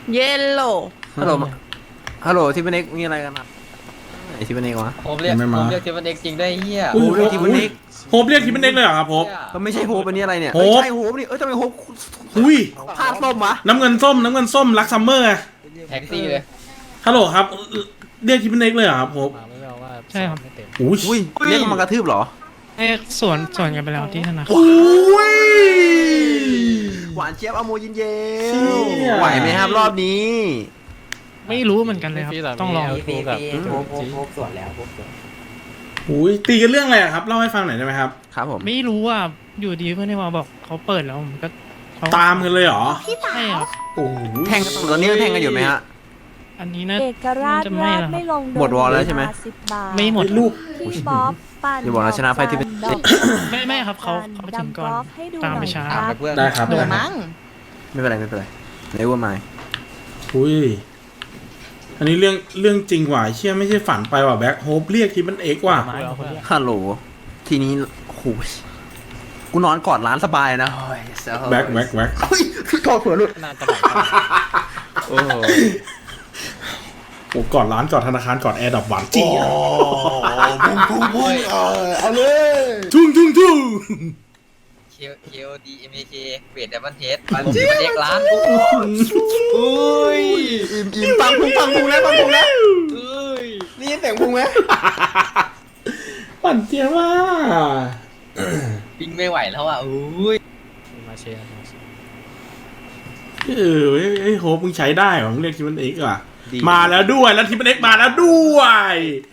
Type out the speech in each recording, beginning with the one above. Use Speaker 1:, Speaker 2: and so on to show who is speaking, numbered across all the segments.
Speaker 1: เยลโล่
Speaker 2: ฮัลโหลฮัลโหลที่เป็นเอกมีอะไรกันครับไอที่เป็นเอกวะ
Speaker 3: ผมเรียก
Speaker 4: ไม่มา
Speaker 3: ผมเรียกเทปเอ็กจริงได้เฮีย
Speaker 2: โอ้โหเรียกทีมเป็นเอก
Speaker 4: โฮปเรียกทีมเป็นเอกเลยเหรอครับโฮป
Speaker 2: ก็ไม่ใช่โฮปอันนี้อะไรเนี่ย
Speaker 4: โฮป
Speaker 2: ไม่ใช่โฮปนี่ทำไมโฮป
Speaker 4: อุ้ย
Speaker 2: ผ้าส้มวะ
Speaker 4: น้ำเงินส้มรักซัมเมอร์ไง
Speaker 3: แท็กซี่เลย
Speaker 4: ฮัลโหลครับเรียกทีมเป็นเอกเลยเหรอครับโฮป
Speaker 5: ใช่ครับ
Speaker 4: อุ้ย
Speaker 2: อุ้ยเรียกมันมากระทืบเหรอ
Speaker 5: ไอ้สวนกันไปแล้วที่ธนาคาร
Speaker 4: อุ้ย
Speaker 2: หวานเจี๊ยบอโมยินเย
Speaker 4: เชี่
Speaker 2: ล
Speaker 4: ย
Speaker 2: ไหวไหมครับรอบนี้
Speaker 5: ไม่รู้เหมือนกันเลยครับ ต้องลอง
Speaker 4: อุ้ยตีกันเรื่องอะไรอะครับเล่าให้ฟังหน่อยได้ไหมครับ
Speaker 2: ครับผม
Speaker 5: ไม่รู้ว่าอยู่ดีเพื่อนที่มาบอกเขาเปิดแล้วผมก็เข
Speaker 4: ตามกันเลยเหรอ
Speaker 5: ใช่ครับ
Speaker 4: โอ้โห
Speaker 2: แทงกันตอนนี้แทงกันอยู่ไหมฮะ
Speaker 5: อันนี้นะ
Speaker 6: เอกราช
Speaker 5: จะไม่
Speaker 6: ราช
Speaker 5: แล้วครับ
Speaker 6: ไม่ลง
Speaker 2: หมดวอลแล้วใช่ไหม
Speaker 6: 10 บาท
Speaker 5: ไม่หมด
Speaker 4: ลูก
Speaker 6: พี่บ๊อบปั่น
Speaker 2: อย่าบอกนะชนะไฟที่เป็น
Speaker 6: ดอก
Speaker 5: ไม่ครับเขาไปถึงก่อน
Speaker 6: ดำกล์ฟให้ดู
Speaker 5: ตามไป
Speaker 6: หน่อย
Speaker 5: ช้า
Speaker 6: ครับ
Speaker 3: เพื่อน
Speaker 4: ได้ครับ
Speaker 1: หนู
Speaker 4: ได้ครับ
Speaker 1: มั้ง
Speaker 2: ไม่เป็นไรไม่เป็นไรในว่าไม่
Speaker 4: อุ้ยอันนี้เรื่องจริงว่ะเชี่ยไม่ใช่ฝันไปว่ะแบ็คโฮปเรียกทีมเป็นเอกว่ะ
Speaker 2: ฮัลโหลทีนี้โอ้โหกูนอนกอดร้านสบายนะ
Speaker 4: แบ็ค
Speaker 2: เฮ้ยกอดเผื่อหลุด
Speaker 3: โอ้โห
Speaker 4: โอ้ก่อนร้านก่อนธนาคารก่อนแอร์ดับหวานจี้
Speaker 3: พุ่ง
Speaker 2: เอาเลย
Speaker 4: ทุ่ง
Speaker 3: เคโอดีเอ็มเคเวทดับเบิลเทสผมเทปเอ็กร้านอุ้ย
Speaker 2: อิ่มปังพุงแล้วปังพุงแล้ว
Speaker 3: อุ้ย
Speaker 2: นี่เสียงพุงไหม
Speaker 4: ปั่นเจียว่า
Speaker 3: ปิ้งไม่ไหวแล้วอ่ะอุ้ย
Speaker 4: เฮ้ยโฮปมึงใช้ได้เหรอมึงเรียกทีมเป็นเอกอ่ะมาแล้วด้วยแล้วทีมเป็นเอกมาแล้วด้วย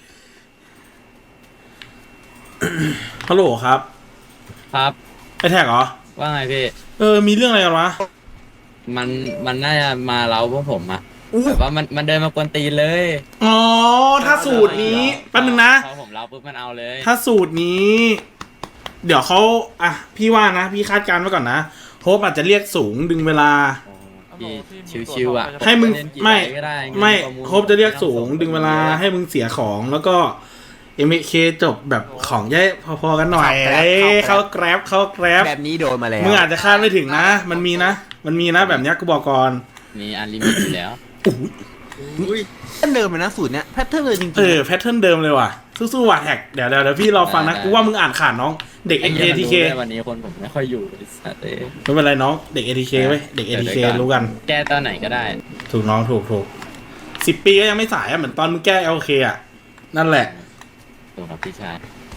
Speaker 4: ฮัลโหลครับ
Speaker 3: ครับ
Speaker 4: ไอแท็กเหรอ
Speaker 3: ว่าไงพี่
Speaker 4: มีเรื่องอะไรกันวะ
Speaker 3: มันน่าจะมาเล้าพวกผมอะแบบว่ามันเดินมากวนตีนเลย
Speaker 4: อ๋อถ้าสูตรนี้แป๊บนึงนะ
Speaker 3: พอผมเล้าปุ๊บมันเอาเลย
Speaker 4: ถ้าสูตรนี้ เดี๋ยวเขาอ่ะพี่ว่านะพี่คาดการณ์ไว้ก่อนนะโฮปอาจจะเรียกสูงดึงเวลา
Speaker 3: พี่ชิวๆอ่ะ
Speaker 4: ให้มึง
Speaker 3: เล่นกี่
Speaker 4: ไม่
Speaker 3: ใบก็ด้เงิน
Speaker 4: ไม่
Speaker 3: ประมูล
Speaker 4: โฮปจะเรียกสูงดึงเวลาให้มึงเสียของแล้วก็ MK จบแบบของแย่พอๆกันหน่อยเข้าแกร็บ
Speaker 2: แบบนี้โดนมาแล้ว
Speaker 4: มึงอาจจะคาดไม่ถึงนะ มันมีนะแบบเนี้ยกูบอกก่อน
Speaker 3: มีอันลิมิตอยู่แล้ว
Speaker 4: อุ้ย
Speaker 2: แพทเทิร์นเดิมเลยนะสูตรเนี้ยแพทเทิร์นเลยจริง
Speaker 4: แพทเทิร์นเดิมเลยว่ะสู้ๆว่ะแท็กเดี๋ยวพี่รอฟังนะกูว่ามึงอ่านขาดน้องเด็ก ATK
Speaker 3: วันนี้คนผมไม่ค่อยอยู่ไอ้สัตว์เอ้ย
Speaker 4: ไม่เป็นไรน้องเด็ก ATK เว้ยเด็ก ATK รู้กัน
Speaker 3: แก้ตอนไหนก็ได้
Speaker 4: ถูกน้องถูก10 ปีก็ยังไม่สายอ่ะเหมือนตอนมึงแก้ LK อ่ะนั่นแหละ
Speaker 3: ตรงกับพี่ชาย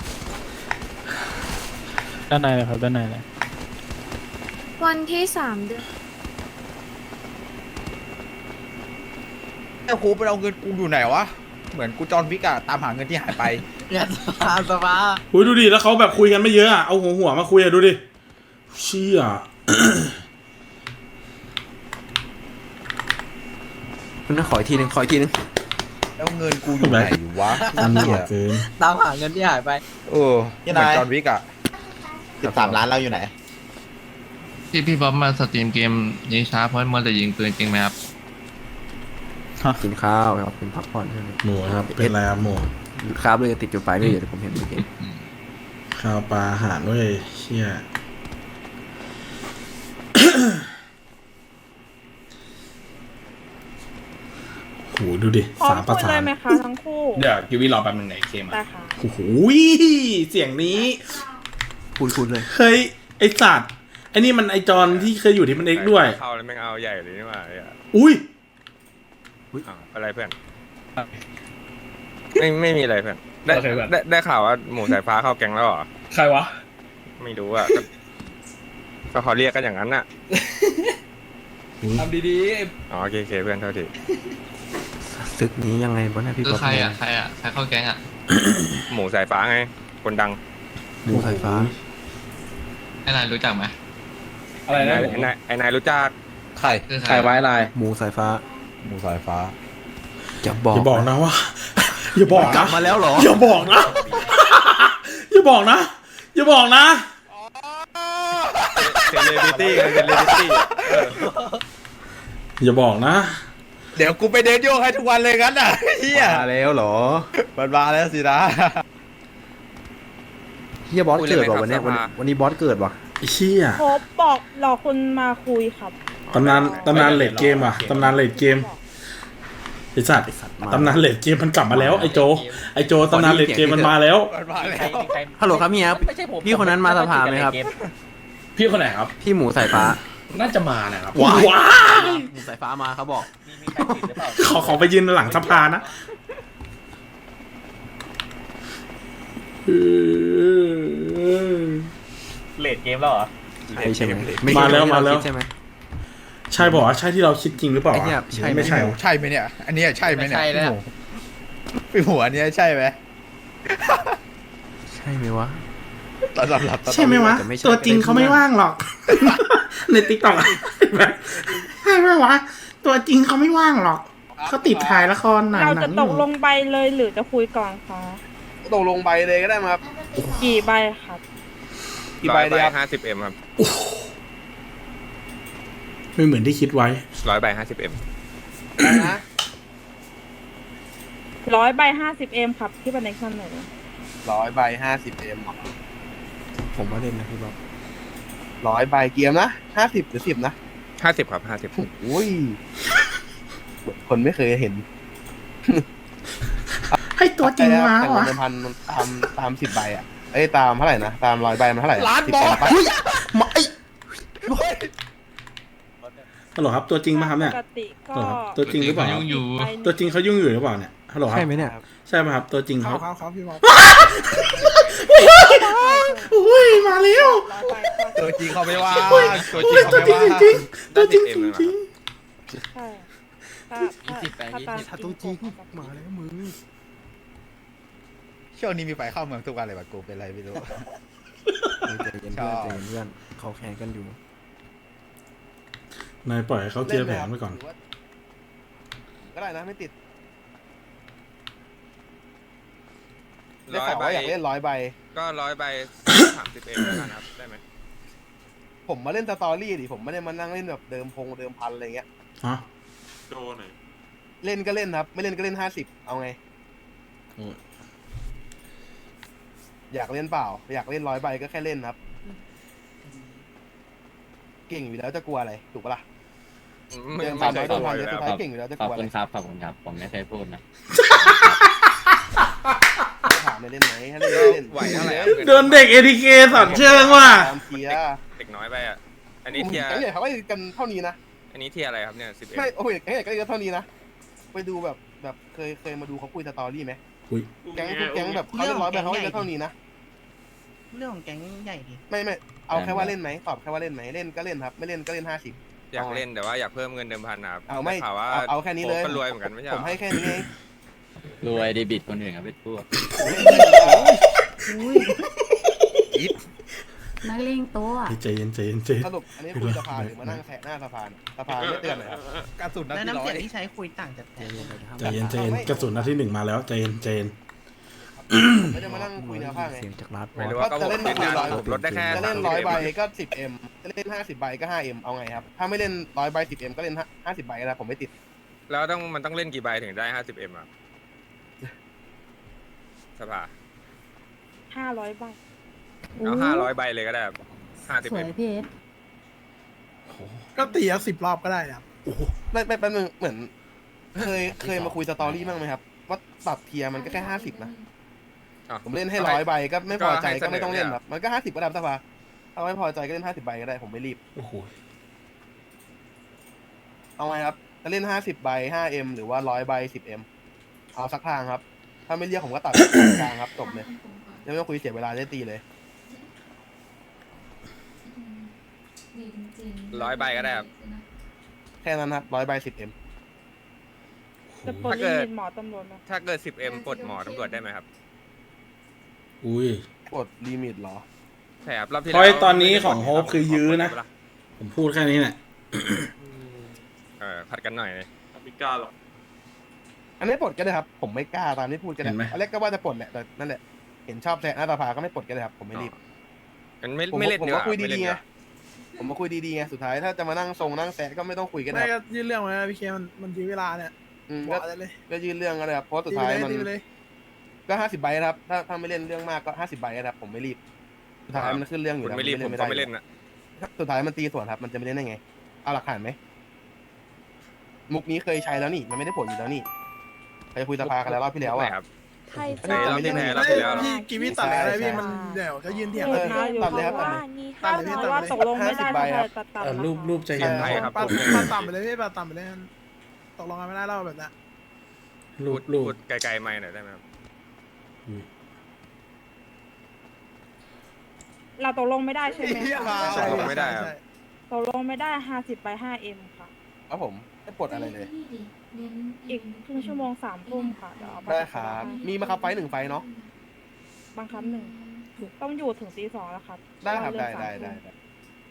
Speaker 5: ด้านในเลยครับด้านในเลย
Speaker 6: วันที่ 3 เดือน
Speaker 7: ไอ้ครูไปเอาเงินกูอยู่ไหนวะ เหมือนกูจอห์นวิกอะตามหาเงินที่หายไป
Speaker 3: งานสภา
Speaker 4: อุ้ยดูดิแล้วเขาแบบคุยกันไม่เยอะอ่ะเอาหัวมาคุยอ่ะดูดิเชี่ย
Speaker 2: คุณน่าขออีกทีนึง
Speaker 7: แล้วเงินกูอยู่ไหนวะ
Speaker 4: อันนี้เกิน
Speaker 3: ตามหาเงินที่หายไป
Speaker 7: เออเหมือนจอห์นวิกอะ
Speaker 8: 13 ล้านเราอยู่ไหน
Speaker 9: พี่บ๊อบมาสตรีมเกมยิงช้าเพราะมัวแต่ยิงปืนจริงไหมครับ
Speaker 2: กินข้าวครับกินพักผ่อนใช่ไหม
Speaker 4: หมูครับเป็นไรครับหมู
Speaker 2: ครับเลยติดจุดไฟด้วยเดี๋ยวผมเห็นเมื่อกี้
Speaker 4: ข้าวปลาอาหารด้วยเชี่ย โหดูดิ
Speaker 1: พร้อม
Speaker 4: สามประ
Speaker 1: คุย
Speaker 4: สา
Speaker 1: เล
Speaker 4: น
Speaker 1: ยไหมคะทั้งคู่
Speaker 4: เดี๋ยวกิวี่รอแป๊บนึงไหนเคมา
Speaker 1: ได้ค่ะ
Speaker 4: โอ้โหเสียงนี้
Speaker 2: คุณเลย
Speaker 4: เฮ้ยไอสัตว์ไอนี่มันไอจอนที่เคยอยู่ที่มันเอ็กด้วย
Speaker 10: เข้าแล้วแม่งเอาใหญ่เลยนี่หว่า
Speaker 4: อุ้ย
Speaker 10: อ้าวอะไรเพื่อน ไม่มีอะไรเพื่อนได้ข่าวว่าหมูสายฟ้าเข้าแก๊งแล้วเหรอ
Speaker 4: ใครวะ
Speaker 10: ไม่รู้อ่ะก็เขาเรียกกันอย่างนั้นน่ะ
Speaker 7: ทำดี
Speaker 10: อ๋อโอเคเพื่อนเท่าที
Speaker 2: ซึกนี้ยังไงบ้างนะพี่
Speaker 9: คือ
Speaker 2: ป๊อป
Speaker 9: ใครเข้าแก๊งอ่ะ
Speaker 10: หมูสายฟ้าไง คนดัง
Speaker 2: หมูสายฟ้า
Speaker 9: ไอ้นายรู้จักไหม
Speaker 4: อะไรนะ
Speaker 10: ไอ้นายรู้จัก
Speaker 7: ใคร
Speaker 9: คือ
Speaker 4: ใครไว้ลาย
Speaker 2: หมูสายฟ้า
Speaker 7: หมูสายฟ้า
Speaker 2: จะบอก
Speaker 4: อย่าบอกนะว่า อย่าบอก
Speaker 2: กลั
Speaker 4: นะ
Speaker 2: บมาแล้วเหรอ
Speaker 4: อย่าบอกนะ อย่าบอกนะ อย่าบอกนะ
Speaker 10: เซเลบริตี้
Speaker 4: อย่าบอกนะ
Speaker 7: เดี๋ยวกูไปเดินโยกให้ทุกวันเลยงั้นอ่ะเฮีย
Speaker 2: มาแล้วเหรอ
Speaker 7: มันมาแล้วสินะ
Speaker 2: เฮียบอสเกิดว่ะวันเนี้ยวันนี้บอสเกิดว่ะ
Speaker 4: ไอ้เชี่ย
Speaker 1: พบบอกรอคุณมาคุยครับ
Speaker 4: อตำนานเลดเกมว่ะตำนานเลดเกมไอสัตว์ตำนานเลดเกมมันกลับมาแล้วไอโจตำนานเลดเกมมันมาแล้ว
Speaker 7: มันมาแล้ว
Speaker 2: ฮัลโหลครับเฮียพี่คนนั้นมาสภาไหมครับ
Speaker 1: พี่คนไหนครับ
Speaker 2: พี่หมูสายฟ้า
Speaker 1: น่าจะมานะครับ
Speaker 4: ว้าย
Speaker 2: หมูสายฟ้ามาเขาบอก
Speaker 4: ขอไปยืนหลังสภานะ
Speaker 1: เลดเกมแล้วเหรอ
Speaker 2: ใช่ไหม
Speaker 4: มาแล้วมาแล้ว
Speaker 2: ใช่ไหม
Speaker 4: ใช่บอกว่าใช่ที่เราคิดจริงหรือเปล่า
Speaker 2: ไอ้เนี่ยใช่ไหม
Speaker 4: ไม่ใช่วะ
Speaker 7: ใช่ไหมเนี่ย อันเนี้ยใช่ไหม
Speaker 3: ไม่
Speaker 7: เนี่ย
Speaker 3: ใช่แล้ว
Speaker 7: พี่หัวอันเนี้ยใช่ไหม
Speaker 2: ใช่ไหมวะ
Speaker 7: ตอนหลับ
Speaker 4: ใช่ไหมวะ
Speaker 2: แต่ไม่ใช่
Speaker 4: ตัวจริงเขาไม่ว่างหรอก ในติ๊กต็อกใช่ไหมวะตัวจริงเขาไม่ว่างหรอกเขาติดถ่ายละครหนัง
Speaker 11: เรา
Speaker 4: หนั
Speaker 11: จะ
Speaker 4: ง
Speaker 11: ตกลงใบเลยหรือจะคุยก่อนคะ
Speaker 7: ตกลงใบเลยก็ได้มาครับ
Speaker 11: กี่ใบครับ
Speaker 7: กี่ใบดีครับ
Speaker 10: 50M ครับ
Speaker 4: ไม่เหมือนที่คิดไว้
Speaker 10: 100 ใบ 50M
Speaker 7: นะ
Speaker 11: 100 ใบ 50M ครับที่บันเด็กเสนอ
Speaker 7: 100 ใบ 50M
Speaker 2: ผมว่าเล่นนะพี่บ๊อบ
Speaker 7: 100 ใบเกียมนะ50หรือ10นะ
Speaker 10: 50 ครับ 50
Speaker 7: อุ้ยคนไม่เคยเห็น
Speaker 4: ให้ตัวจริงมา
Speaker 7: แต่
Speaker 4: วะ
Speaker 7: เงินพันตาม10 ใบอ่ะเอ้ยตามเท่าไหร่นะตาม100 ใบมันเท่าไหร่
Speaker 2: ล้าน
Speaker 7: 10
Speaker 2: บอ
Speaker 7: เอ็
Speaker 2: ล
Speaker 7: มปะ
Speaker 4: ฮัลโหลครับตัวจริงไหมครับเนี่ย
Speaker 11: ปกติก็
Speaker 4: เหรอครับตัวจริงหรือเปล่า
Speaker 9: ยุ่งอยู่
Speaker 11: ใบหนึ่ง
Speaker 4: ตัวจริงเขายุ่งอยู่หรือเปล่าเนี่ยฮัลโหลครับ
Speaker 2: ใช่ไหมเนี่ย
Speaker 4: ใช่ไหมครับตัวจริงเขา
Speaker 7: ครับพี่บอก
Speaker 4: อุ้ยมาแล้ว
Speaker 11: 100 ใบก็
Speaker 7: ตัวจริงเขาไม่ว่า
Speaker 4: อุ้ย
Speaker 7: ตัวจ
Speaker 4: อุ้
Speaker 7: ริ
Speaker 4: ย
Speaker 7: ง
Speaker 4: ตัว
Speaker 7: เขา
Speaker 4: จริ
Speaker 7: ไม่
Speaker 4: งจ
Speaker 7: ว่า
Speaker 4: ริงตัวจริงจริง
Speaker 11: ใช่ถ้าตาม
Speaker 2: ถ้าตัวจริงมาแล้วมึง
Speaker 7: ช่วงนี้มีไฟเข้าเมืองทุกวันเลยว่ะกูเป็นไรไม่รู้
Speaker 2: ใจเย็นเพื่อนใจเย็นเพื่อนเขาแข่งกันอยู่
Speaker 4: นายปล่อยให้เขาเคลียร์แผนไปก่อน
Speaker 7: ก็ได้นะไม่ติด
Speaker 10: 100
Speaker 7: ได้ข่าวว่าอยากเล่น100 ใบ
Speaker 10: ก็100 ใบ 30M แล้วกันครับ ได้ไหม
Speaker 7: ผมมาเล่นสตอรี่ดิผมไม่ได้มานั่งเล่นแบบเดิมพันอะไรเงี้ย
Speaker 4: ฮะ
Speaker 7: เล่นก็เล่นครับ ไม่เล่นก็เล่น50เอาไง
Speaker 4: โอ้ย
Speaker 7: อยากเล่นเปล่า อยากเล่น100 ใบก็แค่เล่นครับ เก่งอยู่แล้วจะกลัวอะไรถูกปะล่ะเดินผ่านน้อยโดนพันสุดท้ายเก่งอยู่แล้วจะ
Speaker 1: ข
Speaker 7: ก
Speaker 1: อบ
Speaker 7: ลัวอะ
Speaker 1: คุ
Speaker 7: ไร
Speaker 1: ณครับขอบคุณครับ ผมไม่เคยพูดนะ
Speaker 7: ถามเลยเล่นไหมถ้าเล่นก็เล่น
Speaker 10: ไหวเท่าไหร่ครับ
Speaker 4: โดนเด็ก ATK สอนเชิงว่ะ
Speaker 7: ตามเทียร์
Speaker 10: เด็กน้อยไปอ่ะ อัน
Speaker 7: ก
Speaker 10: นี้
Speaker 7: ลุ่ม
Speaker 10: เทียร์
Speaker 7: แก๊งใหญ่เขาก็กันเท่านี้นะ
Speaker 10: อันนี้เทียร์อะไรครับเนี่ย 10M
Speaker 7: ไม่โอ้ยแก๊งใหญ่ก็เยอะเท่านี้นะไปดูแบบเคยมาดูเขาคุยสตอรี่ไหม
Speaker 4: อุ้ย
Speaker 7: แก๊งทุกแก๊งแบบเขาเล่น100 ใบเขาก็เยอะเท่านี้นะ
Speaker 8: เรื่องของแก๊งใหญ่ดิ
Speaker 7: ไม่เอาแค่ว่าเล่นไหมตอบแค่ว่าเล่นไหมเล่นก็เล่นครับ ไม่เล่นก็เล่น50
Speaker 10: อยากเล่นแต่ว่าอยากเพิ่มเงินเดิมพันนะครับ
Speaker 7: เอาไม่
Speaker 10: ด้ข่าวว่า
Speaker 7: เอาแค่นี้เลย
Speaker 10: โก็รวยเหมือนกันไม่ใช่เห
Speaker 7: ผ
Speaker 10: รอ
Speaker 7: มให้แค่นี้เอง
Speaker 1: รวยเดบิตคนอื่นครับเป็นพวก
Speaker 6: นักเลงตัว
Speaker 4: ใจเย็นใจเย็นใจเย็น
Speaker 7: สรุปอันนี้คุยสภาหรือมานั่งแทะหน้าสภาสภาไม่เตือนเลยครับกระสุนนัด
Speaker 8: และ
Speaker 7: ที่
Speaker 8: น้ำ
Speaker 7: ร้อ
Speaker 8: เสีย
Speaker 7: ย
Speaker 8: งที่ใช้คุยต่างจาก
Speaker 2: ใจเย็นเลยนะครับ
Speaker 4: ใจเย็นใจเย็นกระสุนนัดที่ 1มาแล้วใจเย็นใจเย็น
Speaker 7: ไม่ได้มานั่งคุยแนวข้างไง
Speaker 2: เสียงจากร้านบอ
Speaker 10: ไม่
Speaker 2: ล
Speaker 10: รู้ว่าก็ผมเล่นได้ผมลดได้แค่
Speaker 7: จะเล่น
Speaker 10: 30M
Speaker 7: 100 ใบก็ 10M จะเล่น50 ใบก็ 5M เอาไงครับ ถ้าไม่เล่น100 ใบ 10M ก็เล่น50 ใบก็ได้ผมไม่ติด
Speaker 10: แล้วมันต้องเล่นกี่ใบถึงได้ 50M อ่ะสภา
Speaker 11: 500 ใบ
Speaker 10: เอา500 ใบเลยก็ได้ครับ 50M
Speaker 6: พี่เอส
Speaker 8: ก็ตี10 รอบก็ได้นะ
Speaker 7: ไม่แป๊บนึงเหมือนเคยมาคุยสตอรี่บ้างไหมครับ ว่าปรับเทียร์มันก็แค่50นะ
Speaker 10: อ่ะ
Speaker 7: ผมเล่นให้100 ใบก็ไม่พอใจก็ไม่ต้องเล่นครับมันก็50ก็ได้สภาถ้าไม่พอใจก็เล่น50 ใบก็ได้ผมไม่รีบ
Speaker 4: โอ้โห
Speaker 7: เอาไงครับจะเล่น50 ใบ 5M หรือว่า100 ใบ 10M เอาสักทางครับ ถ้าไม่เรียกผมก็ตัดกลางครับจบเลยไม่ต้องคุยเสียเวลาได้ตีเลย
Speaker 10: 100 ใบก็ได้ครับ
Speaker 7: แค่นั้นครับ100 ใบ 10M
Speaker 11: จะปลด
Speaker 10: ถ้าเกิ
Speaker 11: ลิ
Speaker 10: ด
Speaker 11: มิตหมอตำรวจไหม
Speaker 10: ถ้าเกิด 10M ปลดหมอตำรวจได้ไหมครับ
Speaker 4: อุ้ย
Speaker 7: กดลิมิตเหรอ
Speaker 10: ใช่ครับรอบที่
Speaker 4: เพราะ
Speaker 10: แล้ว
Speaker 4: ตอนนี้ของโฮปคือยื้อนะ ผมพูดแค่นี้แหละ
Speaker 10: ผัดกันหน่อย
Speaker 7: อันนี้ปลดก็ได้ครับ ผมไม่กล้าตามที่พูดก็ได้
Speaker 4: เห็นไหม
Speaker 7: อันแรกก็ว่าจะปลดแหละแต่นั่นแหละเห็นชอบแซะหน้าตาผาก็ไม่ปลดก็ได้ครับผมไม่รีบ
Speaker 10: มันไม่
Speaker 7: ผม
Speaker 10: ไม่เล่น
Speaker 7: ผม
Speaker 10: ดีก
Speaker 7: ก็
Speaker 10: ว่า
Speaker 7: คุย
Speaker 10: ไม่เล่
Speaker 7: ดี
Speaker 10: น
Speaker 7: ๆ
Speaker 10: ดี
Speaker 7: ไง
Speaker 10: กว่า
Speaker 7: ผมมาคุยดีๆไงสุดท้ายถ้าจะมานั่งทรงนั่งแซะก็ไม่ต้องคุยก็ได้
Speaker 8: ไม่
Speaker 7: ค
Speaker 8: ก็
Speaker 7: รับ
Speaker 8: ยื่นเรื่องไว้นะพี่เคมันยื้อเวลาเนี่ย
Speaker 7: ก็
Speaker 8: บอกได้เลย
Speaker 7: ก็ยื่นเรื่องก็ได้ครับเพราะสุดท้ายมัน
Speaker 8: ตีไปเลย
Speaker 7: ก็50 ใบนะครับถ้าไม่เล่นเรื่องมากก็50 ใบนะครับผมไม่รีบสุดท้ายมันขึ้นเรื่องอ
Speaker 10: คุ
Speaker 7: ยู่
Speaker 10: ณ
Speaker 7: แล้ว
Speaker 10: ไม่รีบผมก็ไม่เล่นนะ
Speaker 7: สุดท้ายมันตีสวนครับมันจะไม่เล่นได้ไงเอาหลักฐานไหมมุกนี้เคยใช้แล้วนี่มันไม่ได้ผลอยู่แล้วนี่เคยคุยสภากันแล้วรอบที่แล้ว
Speaker 10: ไหน
Speaker 7: อ่ะ
Speaker 10: ครับ
Speaker 6: ไทย
Speaker 10: เอ้ยเราเล่นไหนเรา
Speaker 8: เฮ้ย
Speaker 10: แล้วเหรอ
Speaker 8: พี่กีวีตัดอะไรพี่มันเดี๋ยวจะยืนเถียง
Speaker 11: เอ
Speaker 8: กัน
Speaker 11: อ
Speaker 7: ตัดเลยครับ
Speaker 6: ว่า
Speaker 7: ตัดเลย
Speaker 6: นี่
Speaker 11: ถ้าสมมติว่าตกลงไม่ได้
Speaker 7: 50ใบครับ
Speaker 11: ตัดตัด
Speaker 4: รูปใจเย็น
Speaker 7: ใช่
Speaker 4: นะ
Speaker 8: ปัดต่ำไปเลยพี่ปัดต่ำไปเลยตกลงกันไม่ได้แล้วแบบนั้น
Speaker 4: รูป
Speaker 10: พูดไกลๆไม่หน่อยได้ไหมครับ
Speaker 11: เราตกลงไม่ได้ใช่ไหมคะ
Speaker 8: ใช่
Speaker 10: ตกลงไม่ได้ครับ
Speaker 8: ใช่
Speaker 11: ตกลงไม่ได้50ไป5M ค่ะ
Speaker 7: ครับผมไม่ปลดอะไรเลย
Speaker 11: อีกครึ่งชั่วโมง3 ทุ่มค่ะเดี๋ยวเอาไป
Speaker 7: ได้ครับมีมาครับไฟ1ไฟเนาะ
Speaker 11: บางครั้งหนึ่งต้องอยู่ถึงตี 2แล้วครับ
Speaker 7: ได้ครับ
Speaker 11: เพาะ
Speaker 7: ได้
Speaker 11: ว่าเลิก
Speaker 7: ได้
Speaker 11: 3
Speaker 7: ได้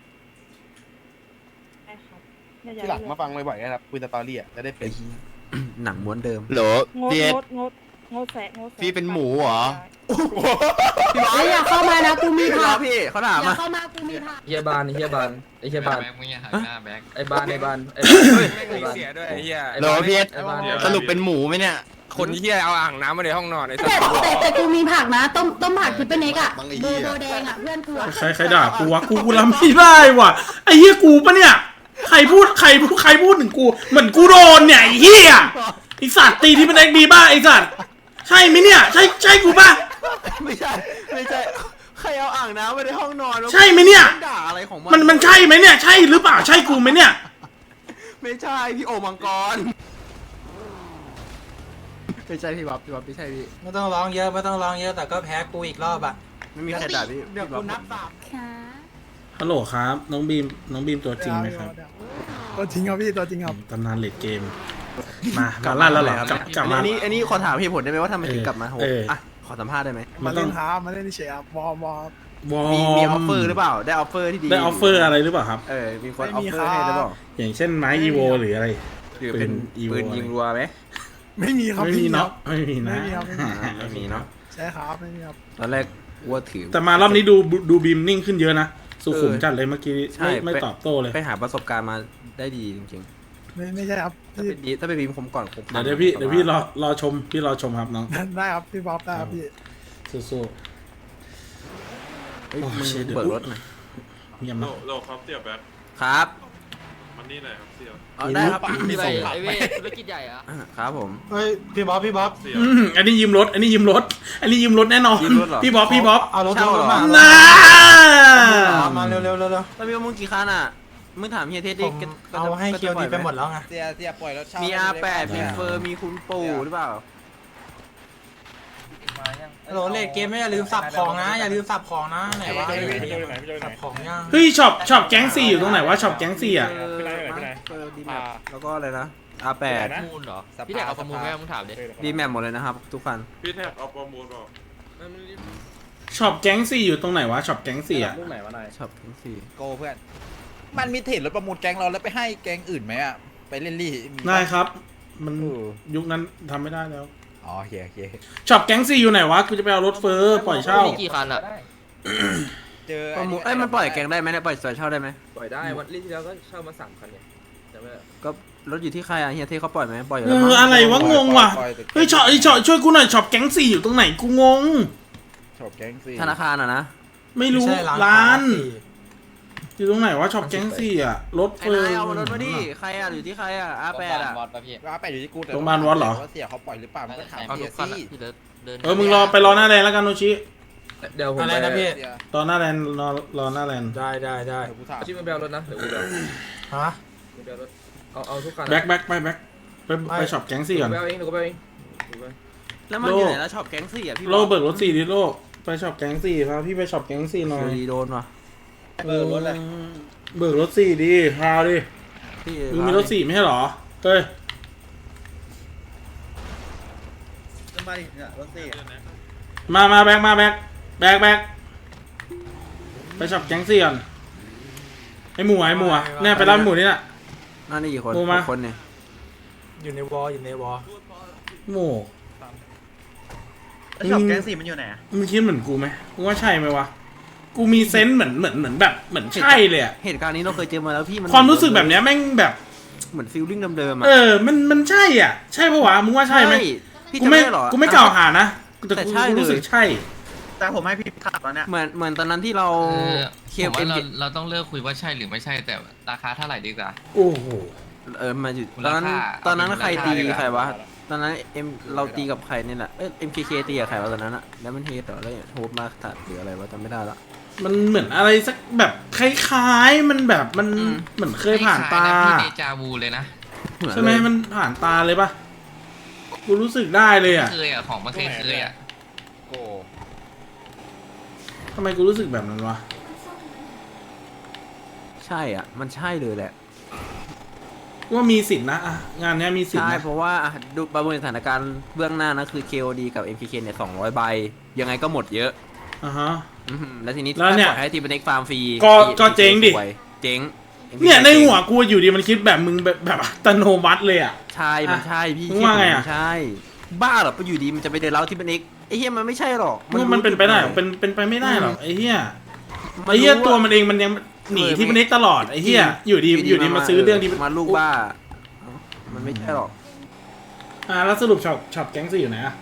Speaker 11: ได้ครับเนี่ยอย่า
Speaker 7: ที่หลัง
Speaker 11: เลือก
Speaker 7: มาฟังบ่อยๆนะครับคุยสตอรี่อ่ะจะได้เป็น
Speaker 2: หนังม้วนเดิม
Speaker 1: โหล
Speaker 11: งด
Speaker 1: เดีย
Speaker 11: งดแสะงดแสะ
Speaker 1: พี่เป็นหมูเหรอ
Speaker 2: อย่าเข้ามานะกูมีผักพี่เขาถามมา
Speaker 3: เฮียบานไอ้เฮียบาน
Speaker 9: แบ็คมึงอย่าหักหน้าแบ็ค
Speaker 3: ไอ้บานไอ้บาน
Speaker 10: ไม่มีเสียด้วยไอ้เหี้ย
Speaker 1: โหลพี่
Speaker 3: ไอ้บาน
Speaker 1: สรุปเป็นหมูไหมเนี่ย
Speaker 10: คนที่เหี้ยเอาอ่างน้ำมาในห้องนอนไอ้สัตว์
Speaker 6: แต่กูมีผักนะ ต้มผักทิปเปอร์เน็กอะโบแดงอะเพื่อนกูอะ
Speaker 4: ใครด่ากูวะกูรับไม่ได้ว่ะไอ้เหี้ยกูปะเนี่ยใครพูดถึงกูเหมือนกูโดนเนี่ยไอ้เหี้ยไอ้สัตว์ตีที่เป็นเอ็กดีบ้าไอ้สัตว์ใช่ไหมเนี่ยใช่กูปะ
Speaker 2: ไม่ใช่ใครเอาอ่างน้ำไว้ในห้องนอนวะ
Speaker 4: ใช่ไหมเนี่ย
Speaker 2: ด่าอะไรของ
Speaker 4: มันใช่ไหมเนี่ยใช่หรือเปล่าใช่กูไหมเนี่ย
Speaker 2: ไม่ใช่พี่โอมังกรไม่ใช่พี่บ๊อบไม่ใช่พี่
Speaker 5: ไม่ต้องร้องเยอะไม่ต้องร้องเยอะแต่ก็แพ้กูอีกรอบอ่ะ
Speaker 2: ไม่มีใครด่าพี่
Speaker 5: เดี๋ยวกูนับสาม
Speaker 6: ค่ะ
Speaker 4: ฮัลโหลครับน้องบีมตัวจริงไหมครับ
Speaker 8: ตัวจริงครับพี่ตัวจริงครับ
Speaker 4: ตำนานเลดเกมมาลั่นแล้วเหรอกลับมา
Speaker 2: อันนี้ขอถามเหตุผลได้ไหมว่าทำไมถึงกลับมาโห อ่ะขอสัมภาษณ์ได้ไหม
Speaker 8: มาเล่นท้ามาเล่นเฉยครับวอร์ม
Speaker 2: มีออฟเฟอร์หรือเปล่าได้ออฟเฟอร์ที่ดี
Speaker 4: ได้ออฟเฟอร์อะไรหรือเปล่าครับ
Speaker 2: มีคนออฟเฟอร์ให้หรือเปล่า
Speaker 4: อย่างเช่นไม้อีโวหรืออะไร
Speaker 2: หรือเป็นปืนยิงรัวไหม
Speaker 8: ไม่มีครับ
Speaker 4: ไม่มีเนาะไม่มีนะ
Speaker 8: ไม่มีครับ
Speaker 2: ไม่มีเนาะ
Speaker 8: ใช่ครับไม่มีครับ
Speaker 2: ตอนแรกว่าถือ
Speaker 4: แต่มารอบนี้ดูบีมนิ่งขึ้นเยอะนะสุขุมจัดเลยเมื่อกี้
Speaker 2: ใช่
Speaker 4: ไม่ตอบโต้เลย
Speaker 2: ไปหาประสบการณ์มาได้ดีจริง
Speaker 8: ไม่ใช่ครับ
Speaker 2: ๆถ้าเป็นบีมผมก่อนผม
Speaker 4: เดี๋ยวพี่รอชมครับน้อง
Speaker 8: ได้ครับพี่บ๊อบได้ครับพี่
Speaker 4: สู้
Speaker 2: เฮ้ยมึงเปิดรถหน่อย
Speaker 4: ๆเยี่ยมนะ
Speaker 12: โลครับเสี่ยแบ็ค
Speaker 2: ครับ
Speaker 12: มันนี่หน่อยครับเสี่ย
Speaker 2: ได้ครับ
Speaker 3: พี่ไปไอ้เว้ยธุรกิจใหญ่อะ
Speaker 2: ครับผม
Speaker 5: เฮ้ยพี่บ๊อบ
Speaker 12: เสี่ย
Speaker 4: อันนี้ยืมรถแน่นอน
Speaker 2: ยืมรถเหรอ
Speaker 4: พี่บ๊อบ
Speaker 5: เอารถ
Speaker 2: เช่าเหรอ
Speaker 5: มา
Speaker 4: น่า
Speaker 5: มาเร็ว
Speaker 2: แล้วมีมึงกี่คันอ่ะมึงถามเฮียเทสดิ
Speaker 5: เอาให้เคียวดีไปหมดแล้วไง
Speaker 3: เสียปล่อยรถเช่า
Speaker 2: มี R8 มีเฟอร์มีคุณปู่หรือเปล่า
Speaker 5: ฮัลโหลเลดเกมไม่อย่าลืมสับของนะอย่าลืมสับของนะไหนวะสับของยัง
Speaker 4: เฮ้ยช็อปแก๊งซี่อยู่ตรงไหนวะช็อปแก๊งซี่อ่ะ
Speaker 2: เฟอร์ดีแมปแล้วก็อะไรนะ R8
Speaker 3: มูลเหรอพี่แท็กเอาประมูลไหมมึงถามดิ
Speaker 2: ดีแมปหมดเลยนะครับทุกคัน
Speaker 12: พี่แท็กเอาประมูลบอก
Speaker 4: ช็อปแก๊งซี่อยู่ตรงไหนวะช็อปแก๊งซี่อ่ะ
Speaker 2: ช็อปทั้งสี่
Speaker 3: โกเพื่อนมันมีเทรดรถประมูลแก๊งเราแล้วไปให้แก๊งอื่นไหมอะไปเล่นลี่มี
Speaker 4: ได้ครับ มันยุคนั้นทำไม่ได้แล้ว
Speaker 3: อ๋อโอเค
Speaker 4: ช็อปแก๊งซี่อยู่ไหนวะกูจะไปเอารถเฟอร์ปล่อยเช่า
Speaker 3: มีกี่คันอะเจอ
Speaker 2: ประมูลมันปล่อยแกงได้ไหมเนี่ยปล่อยสวยเช่าได้ไหม
Speaker 3: ปล่อยได้วันที่แล้วก็เช่ามา3 คันเนี่ยจำได้
Speaker 2: ก็รถอยู่ที่ใครอ่ะเฮียเทสเขาปล่อยไหมปล่อยอยู่
Speaker 4: เอ
Speaker 2: แล้วมั้
Speaker 4: อง อะไรวะงงว่ะเฮ้ยช็อปช่วยกูหน่อยช็อปแก๊งซี่อยู่ตรงไหนกูงง
Speaker 3: ชอบแก๊งซี่
Speaker 2: ธนาคารอ่ะนะ
Speaker 4: ไม่รู้
Speaker 5: ใช่
Speaker 4: ร้าน อยู่ตรงไหนวะช็อปแก๊งซี่อ่ะรถ
Speaker 2: ไอ้
Speaker 4: เฟอร์
Speaker 2: นายเอามารถมาดิใครอ่ะอยู่ที่ใครอ่ะ R8 อ่ะ
Speaker 3: ว่าไปอยู่ที่กูแต่
Speaker 4: โรงพยาบาลวัดเหรอ
Speaker 3: ว่าเสียเขาปล่อยหรือเปล่ามันก็ถาม
Speaker 9: เอา
Speaker 3: เสี
Speaker 9: ทุ
Speaker 3: ย
Speaker 9: กคัน
Speaker 3: ซี่
Speaker 9: อะที่เดิน
Speaker 4: มึงรอไปรอหน้าแลนด์แล้วกันโนชิ
Speaker 3: เดี๋ยวผม
Speaker 5: อะไรนะพี่
Speaker 4: รอหน้าแลนด์รอหน้าแลนด์
Speaker 5: ได้
Speaker 3: เดี๋ยวกูถามชื่อมันแบลรถนะเดี๋ยวกูแบล
Speaker 5: ฮะ
Speaker 3: แบลรถเอาทุกคัน
Speaker 4: แบ็คไปช็อปแก๊งซี่ก่อน
Speaker 3: แบลเองเดี๋ยวกูแบลเอง
Speaker 2: แล้วมันอยู่ไหนแล้วช็อปแก๊งสี่อ่ะพี่
Speaker 4: โลเบิกรถ4ดิโลไปช็อปแก๊งซี่พาพี่ไปช็อปแก๊งซี่หน่อย
Speaker 2: ดีโดนว่ะ
Speaker 4: เบิกรถเลยเบิกรถ4ดิพาดิ
Speaker 2: พี่
Speaker 4: มึงมีรถ4ไม่ใช่เหรอเฮ้ยมาแบ็คไปช็อปแก๊งซี่ก่อนไอหมูเนี่ยไปรับหมูนี่น่ะ
Speaker 2: นั่นนี่กี่คน
Speaker 4: โมมา
Speaker 2: 6 คนเนี่ย
Speaker 5: อยู่ในวอล
Speaker 4: หมู
Speaker 3: ช็อปแก๊งซี่มันอยู่ไหน
Speaker 4: มึงคิดเหมือนกูไหมมึงว่าใช่ไหมวะกูมีเซนส์เหมือนแบบเหมือนใช่เลยอะ
Speaker 2: เหตุการณ์นี้เราเคยเจอมาแล้วพี่มัน
Speaker 4: ความรู้สึกแบบเนี้ยแม่งแบบ
Speaker 2: เหมือนฟีลลิ่งเดิมๆอ่ะ
Speaker 4: มันใช่อ่ะใช่ปะวะมึงว่าใช่ไหม
Speaker 2: พี่
Speaker 4: กู
Speaker 2: จะ
Speaker 4: ไม่
Speaker 2: ไม่หรอ
Speaker 4: กูไม่กล่าวหานะแต่
Speaker 2: แต่
Speaker 4: กู
Speaker 2: ใช่เลย
Speaker 4: รู้สึกใช่
Speaker 3: แต่ผมให้พี่ขับแล้วเนี่ย
Speaker 2: เหมือนตอนนั้นที่เรา
Speaker 9: ผมว่าเราต้องเลือกคุยว่าใช่หรือไม่ใช่แต่ราคาเท่าไหร่ดีกว่า
Speaker 4: โอ้โห
Speaker 2: มาอยู่ตอนนั้นใครตีใครวะตอนนั้นเราตีกับใครเนี่ยแหละMKK ตีกับใครวะตอนนั้นอะแล้วมันเฮดเหรอแล้วโฮปมาถัดหรืออะไรวะจำไม่ได้ละ
Speaker 4: มันเหมือนอะไรสักแบบคล้ายๆมันแบบมันเหมือนเคยผ่านตา
Speaker 9: พี่เดจาวูเลยนะ
Speaker 4: ใช่ไหมมันผ่านตาเลยปะกูรู้สึกได้เลยอ่ะ
Speaker 9: เคยอ่ะของมันเคยอ่ะ
Speaker 10: โอ้
Speaker 4: ทำไมกูรู้สึกแบบนั้นวะ
Speaker 2: ใช่อ่ะมันใช่เลยแหละ
Speaker 4: ว่ามีสิทธินะอะงานเนี้ยมีสิทธิ
Speaker 2: ใช่
Speaker 4: นะ
Speaker 2: เพราะว่าดูประเมินสถานการณ์เบื้องหน้านะคือ KOD กับ MKK เนี่ย200 ใบยังไงก็หมดเยอะ
Speaker 4: อ่าฮะ
Speaker 2: แล้วทีนี้
Speaker 4: แล้วเนี่ย
Speaker 2: ถ้าปล่อยให้ทีมเป็นเอ็กฟาร์มฟรี
Speaker 4: ก็เจ๊งดิ
Speaker 2: เจ๊ง
Speaker 4: เนี่ยในหัวกูอยู่ดีมันคิดแบบมึงแบบอัตโนมัติเลยอ่ะ
Speaker 2: ใช่มันใช่พี่
Speaker 4: มึงว่าไงอะ
Speaker 2: ใช่บ้าเหรอไปอยู่ดีมันจะไปเดินเล้าที่เป็นเอ็กไอ้เหี้ยมันไม่ใช่หรอก
Speaker 4: มันเป็นไปได้หรอเป็นไปไม่ได้หรอกไอ้เหี้ยไอ้เหี้ยตัวมันเองมันยังหนีที่มันเอกตลอดไอ้เหี้ยอยู่ดีมาซื้อเรื่องที่
Speaker 2: มาลูกบ้ามันไม่ใช่หรอก
Speaker 4: แล้วสรุปช็อปแก๊งซี่อยู่ไหนอ่ะ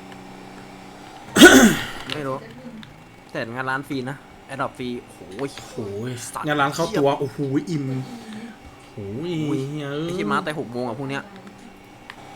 Speaker 2: ไม่รู้แต่งานร้านฟรีนะแอดดอปฟรีโอ้ย
Speaker 4: โอ้ยงานร้านเข้าตัวโอ้โหอิ่มโอ้ย
Speaker 2: ไอ้ที่มาแต่6 โมงอ่ะพวกเนี้ย